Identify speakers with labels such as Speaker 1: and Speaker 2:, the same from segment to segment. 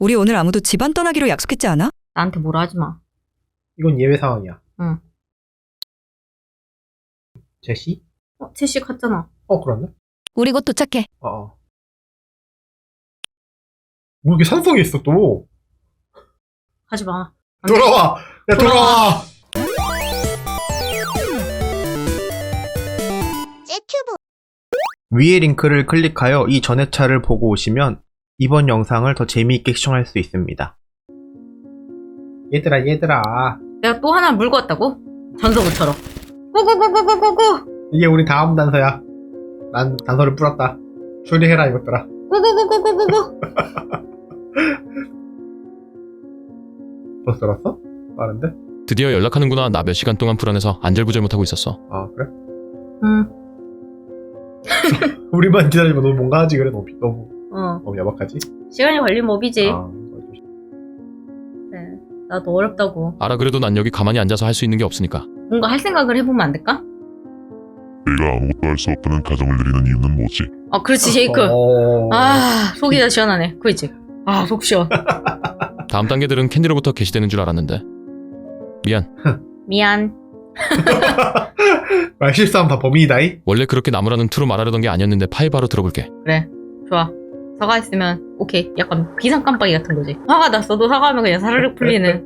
Speaker 1: 우리 오늘 아무도 집안 떠나기로 약속했지 않아?
Speaker 2: 나한테 뭐라 하지 마.
Speaker 3: 이건 예외 상황이야.
Speaker 2: 응.
Speaker 3: 제시?
Speaker 2: 제시 갔잖아.
Speaker 3: 그렇네.
Speaker 4: 우리 곧 도착해.
Speaker 3: 뭐 이렇게 산속에 있어 또.
Speaker 2: 하지 마. 안 돼.
Speaker 3: 돌아와! 야 돌아와! 위의 링크를 클릭하여 이 전회차를 보고 오시면 이번 영상을 더 재미있게 시청할 수 있습니다. 얘들아
Speaker 2: 내가 또 하나 물고 왔다고? 전서구처럼. 고고고고고고고.
Speaker 3: 이게 우리 다음 단서야. 난 단서를 뿌렸다. 추리해라 이것들아.
Speaker 2: 고고고고고고고.
Speaker 3: 벌써 들었어? 빠른데?
Speaker 5: 드디어 연락하는구나. 나 몇 시간 동안 불안해서 안절부절 못하고 있었어.
Speaker 3: 아 그래?
Speaker 2: 응.
Speaker 3: 우리만 기다리면 너무 뭔가 하지 그래. 너무 야박하지?
Speaker 2: 시간이 걸리면 업이지.
Speaker 3: 아,
Speaker 2: 그래. 나도 어렵다고.
Speaker 5: 알아. 그래도 난 여기 가만히 앉아서 할 수 있는 게 없으니까.
Speaker 2: 뭔가 할 생각을 해보면 안 될까?
Speaker 6: 내가 아무것도 할 수 없다는 가정을 내리는 이유는 뭐지?
Speaker 2: 그렇지 제이크. 속이 다 시원하네. 그렇지. 속 시원.
Speaker 5: 다음 단계들은 캔디로부터 게시되는 줄 알았는데.
Speaker 2: 미안.
Speaker 3: 말 실수하면 다 범인이다이?
Speaker 5: 원래 그렇게 나무라는 투로 말하려던 게 아니었는데 파일 바로 들어볼게.
Speaker 2: 그래. 좋아. 사과했으면 오케이. 약간 비상 깜빡이 같은 거지. 화가 났어도 사과하면 그냥 사르륵 풀리는.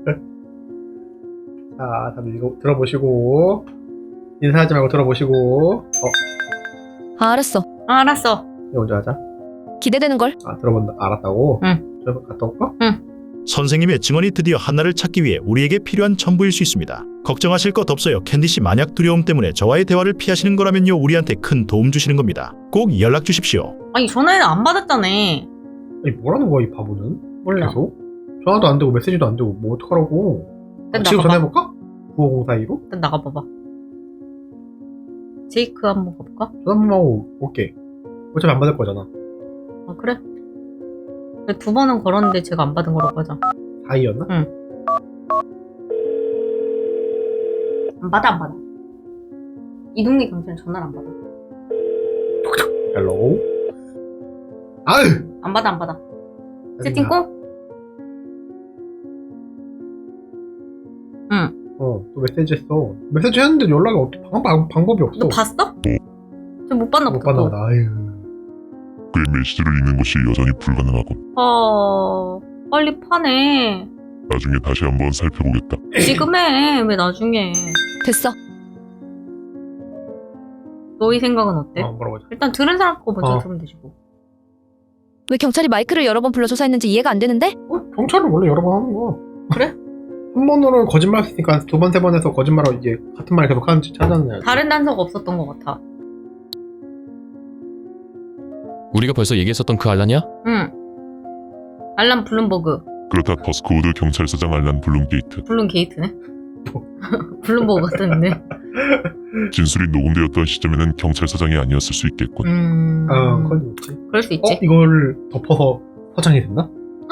Speaker 3: 자, 다들 이거 들어보시고 인사하지 말고 들어보시고.
Speaker 4: 알았어.
Speaker 2: 알았어.
Speaker 3: 이거 먼저 하자.
Speaker 4: 기대되는걸?
Speaker 3: 들어본다. 알았다고?
Speaker 2: 응.
Speaker 3: 저 갔다 올까?
Speaker 7: 선생님의 증언이 드디어 한나를 찾기 위해 우리에게 필요한 첨부일 수 있습니다. 걱정하실 것 없어요. 캔디씨, 만약 두려움 때문에 저와의 대화를 피하시는 거라면요, 우리한테 큰 도움 주시는 겁니다. 꼭 연락 주십시오.
Speaker 2: 아니 전화는 안 받았잖아.
Speaker 3: 아니 뭐라는 거야 이 바보는?
Speaker 2: 몰라.
Speaker 3: 계속? 전화도 안 되고 메시지도 안 되고 뭐 어떡하라고?
Speaker 2: 일단
Speaker 3: 지금
Speaker 2: 나가봐.
Speaker 3: 전화해볼까? 9504-2로?
Speaker 2: 일단 나가봐봐. 제이크 한번 가볼까?
Speaker 3: 전화 한번 하고 올게. 어차피 안 받을 거잖아.
Speaker 2: 그래? 근데 2번은 걸었는데 제가 안 받은 거라고 하자.
Speaker 3: 4-2였나?
Speaker 2: 응. 안 받아. 이 동네 경찰은 전화를 안 받아.
Speaker 3: 헬로우? 아유!
Speaker 2: 안 받아. 세팅 꼭? 응.
Speaker 3: 또 메시지 했어. 메시지 했는데 연락이 어떻게 방법이 없어.
Speaker 2: 너 봤어? 저 못 봤나
Speaker 3: 못
Speaker 2: 보다.
Speaker 3: 봤나 보다. 아유.
Speaker 6: 그의 메시지를 읽는 것이 여전히 불가능하군.
Speaker 2: 빨리 파네.
Speaker 6: 나중에 다시 한번 살펴보겠다.
Speaker 2: 지금 해. 왜 나중에.
Speaker 4: 됐어.
Speaker 2: 너희 생각은 어때?
Speaker 3: 뭐라고 하자.
Speaker 2: 일단 들은 사람 거 먼저 들으면 되지 뭐.
Speaker 4: 왜 경찰이 마이크를 여러 번 불러 조사했는지 이해가 안 되는데?
Speaker 3: 경찰은 원래 여러 번 하는 거야.
Speaker 2: 그래?
Speaker 3: 한 번으로 거짓말 했으니까 2번, 3번 해서 거짓말하고 이제 같은 말 계속 하는지 찾아내야지.
Speaker 2: 다른 단서가 없었던 것 같아.
Speaker 5: 우리가 벌써 얘기했었던 그 알란이야?
Speaker 2: 응. 알람 블룸버그.
Speaker 6: 그렇다. 버스코우드 경찰서장 알란 블룸게이트.
Speaker 2: 블룸 게이트네? 블룸버그 같았는데.
Speaker 6: 진술이 녹음되었던 시점에는 경찰서장이 아니었을 수 있겠군.
Speaker 3: 그건 있지.
Speaker 2: 그럴 수 있지.
Speaker 3: 이걸 덮어서 서장이 됐나?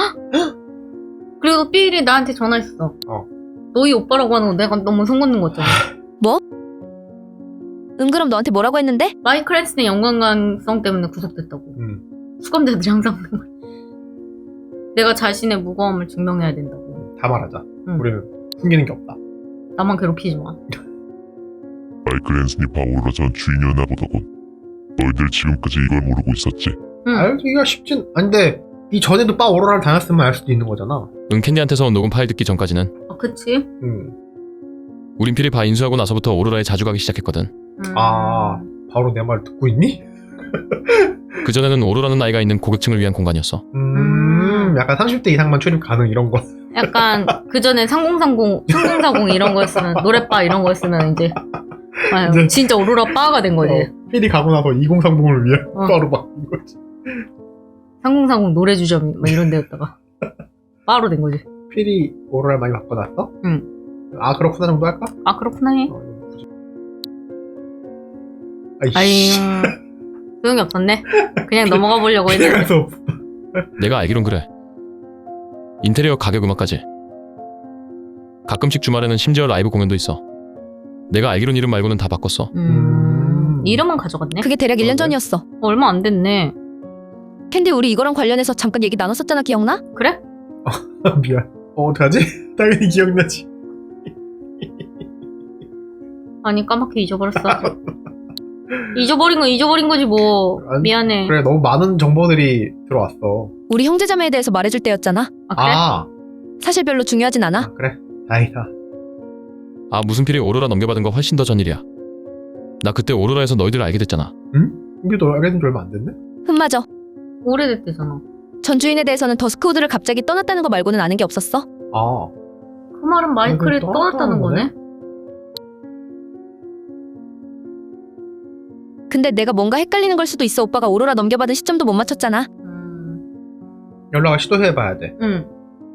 Speaker 2: 그리고 삐일이 나한테 전화했어. 너희 오빠라고 하는 거 내가 너무 선 걷는 거잖아.
Speaker 4: 뭐? 그럼 너한테 뭐라고 했는데?
Speaker 2: 마이클 앤슨의 연관관성 때문에 구속됐다고. 수감자들이 항상 하는 거야. 내가 자신의 무고함을 증명해야 된다고.
Speaker 3: 다 말하자.
Speaker 2: 응.
Speaker 3: 우리는 숨기는 게 없다.
Speaker 2: 나만 괴롭히지 마.
Speaker 6: 마이클 앤슨이 바오로라 전 주인이었나 보더군. 너희들 지금까지 이걸 모르고 있었지?
Speaker 2: 응.
Speaker 3: 알기가 쉽진. 근데 이 전에도 바 오로라를 다녔으면 알 수도 있는 거잖아.
Speaker 5: 캔디한테서 온 녹음 파일 듣기 전까지는.
Speaker 2: 그치?
Speaker 5: 우린 필히 바 인수하고 나서부터 오로라에 자주 가기 시작했거든.
Speaker 3: 바로 내 말 듣고 있니?
Speaker 5: 그전에는 오로라는 나이가 있는 고객층을 위한 공간이었어.
Speaker 3: 약간 30대 이상만 출입 가능 이런 거.
Speaker 2: 약간 그전에 3040 이런 거였으면, 노래바 이런 거였으면 이제
Speaker 3: 이제
Speaker 2: 진짜 오로라 바가 된 거지.
Speaker 3: 필이 가고 나서 2030을 위해 바로 바뀐 거지.
Speaker 2: 3040 노래 주점 막 이런 데였다가 바로 된 거지.
Speaker 3: 필이 오로라를 많이 바꿔놨어?
Speaker 2: 응.
Speaker 3: 그렇구나 정도 할까?
Speaker 2: 그렇구나 해.
Speaker 3: 아이씨.
Speaker 2: 소용이 없었네. 그냥 넘어가 보려고 했는데.
Speaker 3: 그래서
Speaker 5: 내가 알기론 그래. 인테리어 가격 음악까지. 가끔씩 주말에는 심지어 라이브 공연도 있어. 내가 알기론 이름 말고는 다 바꿨어.
Speaker 2: 이름은 가져갔네.
Speaker 4: 그게 대략 1년 전이었어.
Speaker 2: 얼마 안 됐네.
Speaker 4: 캔디, 우리 이거랑 관련해서 잠깐 얘기 나눴었잖아, 기억나?
Speaker 2: 그래?
Speaker 3: 미안. 어떡하지? 당연히 기억나지.
Speaker 2: 아니 까맣게 잊어버렸어. 잊어버린 건 잊어버린 거지 뭐.
Speaker 3: 아니,
Speaker 2: 미안해.
Speaker 3: 그래, 너무 많은 정보들이 들어왔어.
Speaker 4: 우리 형제자매에 대해서 말해줄 때였잖아.
Speaker 2: 아 그래?
Speaker 3: 아,
Speaker 4: 사실 별로 중요하진 않아.
Speaker 3: 그래. 다행이다.
Speaker 5: 아 무슨 필이 오로라 넘겨받은 거 훨씬 더 전일이야. 나 그때 오로라에서 너희들을 알게 됐잖아.
Speaker 3: 이게 너 알게 된 지 얼마 안 됐네?
Speaker 4: 흠맞아.
Speaker 2: 오래됐대잖아.
Speaker 4: 전 주인에 대해서는 더스크우드를 갑자기 떠났다는 거 말고는 아는 게 없었어.
Speaker 3: 아,
Speaker 2: 그 말은 마이클이
Speaker 3: 그럼
Speaker 2: 떠났다는 거네?
Speaker 4: 근데 내가 뭔가 헷갈리는 걸 수도 있어. 오빠가 오로라 넘겨받은 시점도 못 맞췄잖아.
Speaker 3: 연락을 시도해봐야 돼.
Speaker 2: 응.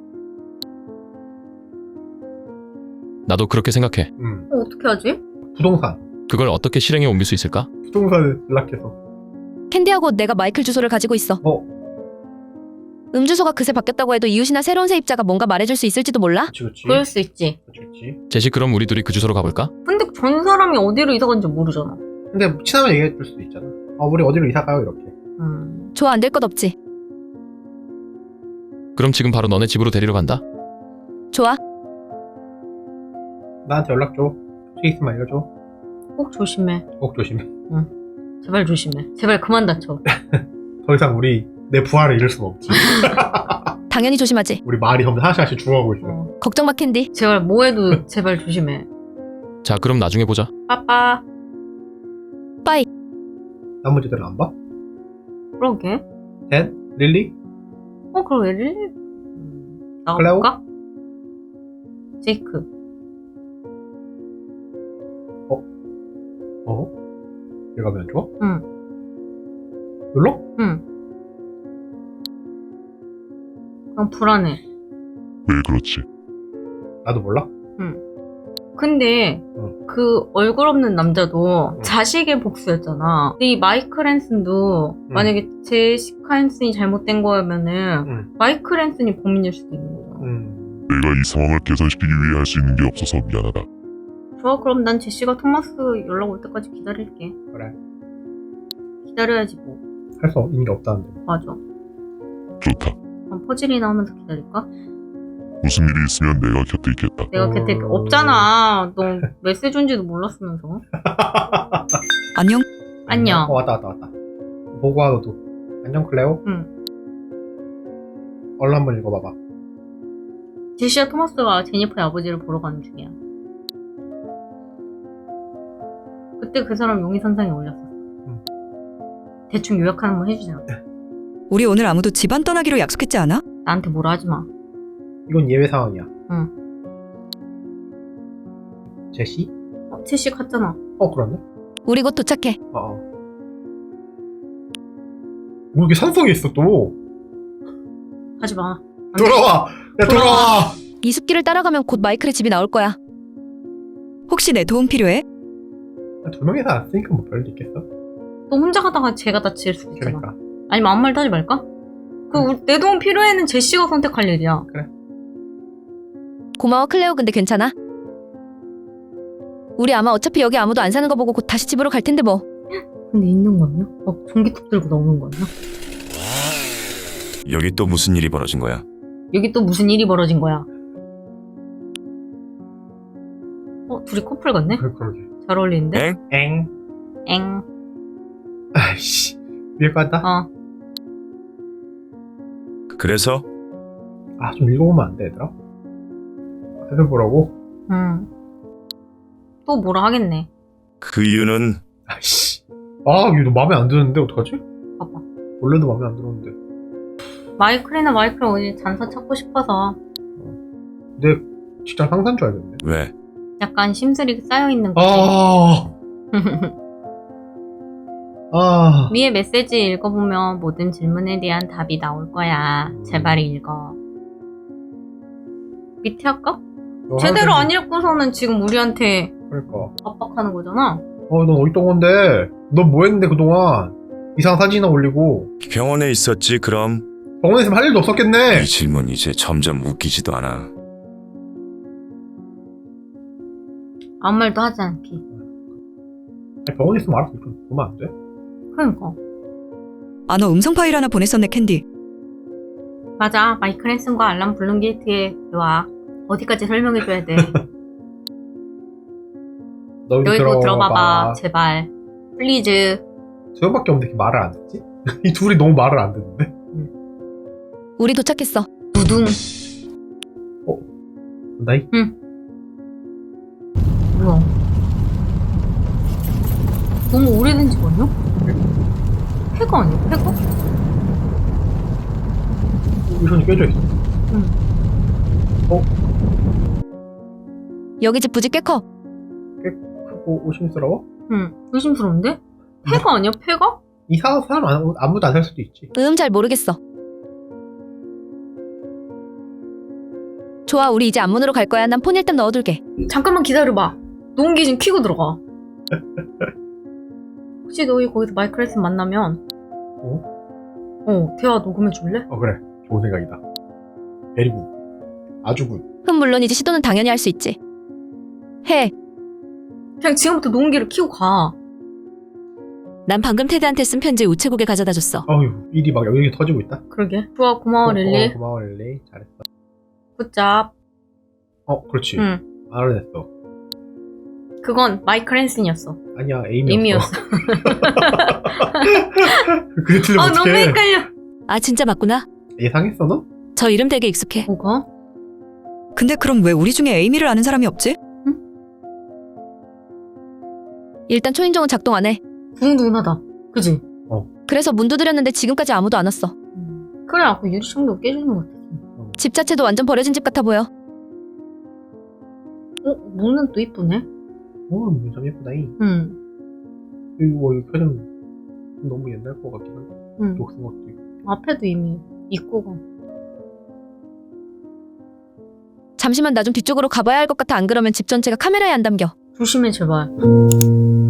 Speaker 5: 나도 그렇게 생각해.
Speaker 2: 어떻게 하지?
Speaker 3: 부동산.
Speaker 5: 그걸 어떻게 실행에 옮길 수 있을까?
Speaker 3: 부동산에 연락해서.
Speaker 4: 캔디하고 내가 마이클 주소를 가지고 있어. 주소가 그새 바뀌었다고 해도 이웃이나 새로운 세입자가 뭔가 말해줄 수 있을지도 몰라?
Speaker 3: 그치.
Speaker 2: 그럴 수 있지.
Speaker 3: 그치.
Speaker 5: 제시 그럼 우리 둘이 그 주소로 가볼까?
Speaker 2: 근데 전 사람이 어디로 이사 간지 모르잖아.
Speaker 3: 근데 친하면 얘기해줄 수도 있잖아. 우리 어디로 이사 가요? 이렇게.
Speaker 4: 좋아, 안 될 것 없지.
Speaker 5: 그럼 지금 바로 너네 집으로 데리러 간다.
Speaker 4: 좋아.
Speaker 3: 나한테 연락 줘. 혹시 있으면 알려줘.
Speaker 2: 꼭 조심해.
Speaker 3: 꼭 조심해.
Speaker 2: 제발 조심해. 제발 그만 다쳐.
Speaker 3: 더 이상 내 부하를 잃을 수는 없지.
Speaker 4: 당연히 조심하지.
Speaker 3: 우리 말이 점점 하나씩 죽어가고 있어.
Speaker 4: 걱정 마, 캔디.
Speaker 2: 제발 뭐해도 제발 조심해.
Speaker 5: 자 그럼 나중에 보자.
Speaker 2: 빠빠.
Speaker 4: 빠이.
Speaker 3: 나머지들은 안 봐?
Speaker 2: 그러게.
Speaker 3: 댄? 릴리?
Speaker 2: 그럼 왜 릴리? 나가볼까? 제이크.
Speaker 3: 얘가 왜 안 좋아?
Speaker 2: 응.
Speaker 3: 놀러?
Speaker 2: 응. 그냥 불안해.
Speaker 6: 왜 그렇지?
Speaker 3: 나도 몰라.
Speaker 2: 근데 그 얼굴 없는 남자도
Speaker 3: 응.
Speaker 2: 자식의 복수였잖아. 근데 이 마이클 앤슨도 만약에 제시카 앤슨이 잘못된 거면은 마이클 앤슨이 범인일 수도 있는 거잖아.
Speaker 6: 내가 이 상황을 개선시키기 위해 할 수 있는 게 없어서 미안하다.
Speaker 2: 좋아, 그럼 난 제시가 토마스 연락 올 때까지 기다릴게.
Speaker 3: 그래.
Speaker 2: 기다려야지 뭐.
Speaker 3: 할 수 있는 게 없다는데.
Speaker 2: 맞아.
Speaker 6: 좋다.
Speaker 2: 그럼 퍼즐이 나오면서 기다릴까?
Speaker 6: 무슨 일이 있으면 내가 곁에 있겠다.
Speaker 2: 내가 곁에 없잖아. 너 메시지 온지도 몰랐으면서.
Speaker 1: 안녕?
Speaker 2: 안녕.
Speaker 3: 왔다. 보고 와, 너도. 안녕, 클레오?
Speaker 2: 응.
Speaker 3: 얼른 한번 읽어봐봐.
Speaker 2: 제시와 토마스가 제니퍼의 아버지를 보러 가는 중이야. 그때 그 사람 용의선상에 올렸었어. 대충 요약 한번 해주자.
Speaker 1: 우리 오늘 아무도 집안 떠나기로 약속했지 않아?
Speaker 2: 나한테 뭐라 하지 마.
Speaker 3: 이건 예외 상황이야.
Speaker 2: 응.
Speaker 3: 제시?
Speaker 2: 제시 갔잖아.
Speaker 3: 그렇네.
Speaker 4: 우리 곧 도착해.
Speaker 3: 뭐 이렇게 산속에 있어, 또.
Speaker 2: 하지 마.
Speaker 3: 돌아와! 돌아와!
Speaker 4: 이 숲길을 따라가면 곧 마이클의 집이 나올 거야.
Speaker 1: 혹시 내 도움 필요해?
Speaker 3: 두 명이서 안 쓰니까 뭐 별일 있겠어?
Speaker 2: 너 혼자 가다가 제가 다칠 수도 있잖아.
Speaker 3: 그러니까.
Speaker 2: 아니면 아무 말도 하지 말까? 내 도움 필요해는 제시가 선택할 일이야.
Speaker 4: 고마워, 클레오. 근데 괜찮아? 우리 아마 어차피 여기 아무도 안 사는 거 보고 곧 다시 집으로 갈 텐데 뭐.
Speaker 2: 근데 있는 거 아니야? 막 전기톱 들고 나오는 거 아니야?
Speaker 8: 여기 또 무슨 일이 벌어진 거야?
Speaker 2: 여기 또 무슨 일이 벌어진 거야? 둘이 커플 같네?
Speaker 3: 그러게.
Speaker 2: 잘 어울리는데?
Speaker 3: 엥.
Speaker 2: 엥.
Speaker 3: 아이씨. 위에 간다?
Speaker 8: 그래서?
Speaker 3: 좀 읽어보면 안 돼, 얘들아? 살펴보라고?
Speaker 2: 또 뭐라 하겠네.
Speaker 8: 그 이유는
Speaker 3: 아이씨. 이거 너 마음에 안 드는데, 어떡하지?
Speaker 2: 봐봐.
Speaker 3: 원래도 마음에 안 들었는데.
Speaker 2: 마이클 어디 잔사 찾고 싶어서
Speaker 3: 내 직장 상사인 줄 알겠네.
Speaker 8: 왜?
Speaker 2: 약간 심술이 쌓여있는 거지. 위에 메시지 읽어보면 모든 질문에 대한 답이 나올 거야. 제발 읽어. 밑에 할까? 제대로 안 읽고서는 지금 우리한테
Speaker 3: 그러니까.
Speaker 2: 압박하는 거잖아.
Speaker 3: 넌 어디 있던 건데? 넌 뭐 했는데, 그동안? 이상한 사진이나 올리고.
Speaker 8: 병원에 있었지 그럼?
Speaker 3: 병원에 있으면 할 일도 없었겠네!
Speaker 8: 이 질문 이제 점점 웃기지도 않아.
Speaker 2: 아무 말도 하지 않기.
Speaker 3: 병원에 있으면 알아서 좀 보면 안 돼?
Speaker 2: 그러니까.
Speaker 1: 너 음성 파일 하나 보냈었네, 캔디.
Speaker 2: 맞아. 마이클 앤슨과 알람 블룸게이트의 대화. 어디까지 설명해줘야 돼. 너희도 들어봐봐. 제발. 플리즈.
Speaker 3: 저 형밖에 없는데 이렇게 말을 안 듣지? 이 둘이 너무 말을 안 듣는데?
Speaker 4: 우리 도착했어.
Speaker 2: 두둥.
Speaker 3: 나이?
Speaker 2: 뭐야. 너무 오래된 집 아니야? 폐가 아니야? 폐가?
Speaker 3: 우선이 깨져 있어.
Speaker 2: 응.
Speaker 4: 여기 집 부지 꽤 커.
Speaker 3: 크고 의심스러워?
Speaker 2: 응. 의심스러운데? 폐가 아니야? 폐가?
Speaker 3: 이상한 사람 아무도 안 살 수도 있지.
Speaker 4: 잘 모르겠어. 좋아, 우리 이제 앞문으로 갈 거야. 난 폰 일단 넣어둘게.
Speaker 2: 잠깐만 기다려봐. 녹음기 좀 켜고 들어가. 혹시 너희 거기서 마이클 앤슨 만나면 대화 녹음해 줄래?
Speaker 3: 그래. 좋은 생각이다. 베리굿. 아주 굿.
Speaker 4: 물론이지. 시도는 당연히 할 수 있지. 해.
Speaker 2: 그냥 지금부터 녹음기를 켜고 가.
Speaker 4: 난 방금 테드한테 쓴 편지 우체국에 가져다 줬어.
Speaker 3: 어휴, 일이 막 여기 터지고 있다.
Speaker 2: 그러게. 좋아, 고마워 릴리.
Speaker 3: 고마워 릴리. 잘했어.
Speaker 2: 굿잡.
Speaker 3: 그렇지.
Speaker 2: 응.
Speaker 3: 알아냈어.
Speaker 2: 그건 마이클 앤슨이었어.
Speaker 3: 아니야, 에이미였어.
Speaker 2: 에이미였어.
Speaker 3: 그게 틀리면
Speaker 2: 너무
Speaker 3: 어떡해.
Speaker 2: 헷갈려.
Speaker 4: 아, 진짜 맞구나.
Speaker 3: 예상했어, 너?
Speaker 4: 저 이름 되게 익숙해.
Speaker 2: 뭐가?
Speaker 1: 근데 그럼 왜 우리 중에 에이미를 아는 사람이 없지?
Speaker 4: 일단 초인종은 작동 안 해.
Speaker 2: 두근두근하다. 그지?
Speaker 4: 그래서 문 두드렸는데 지금까지 아무도 안 왔어.
Speaker 2: 그래, 아까 유리창도 깨지는 것 같았어.
Speaker 4: 집 자체도 완전 버려진 집 같아 보여.
Speaker 2: 문은 또 이쁘네.
Speaker 3: 참 예쁘다잉.
Speaker 2: 응.
Speaker 3: 이거 켜면 너무 옛날 거 같긴 한데.
Speaker 2: 응.
Speaker 3: 녹슨 것도 있고.
Speaker 2: 앞에도 이미 입구가.
Speaker 4: 잠시만 나 좀 뒤쪽으로 가봐야 할 것 같아. 안 그러면 집 전체가 카메라에 안 담겨.
Speaker 2: 조심해, 제발.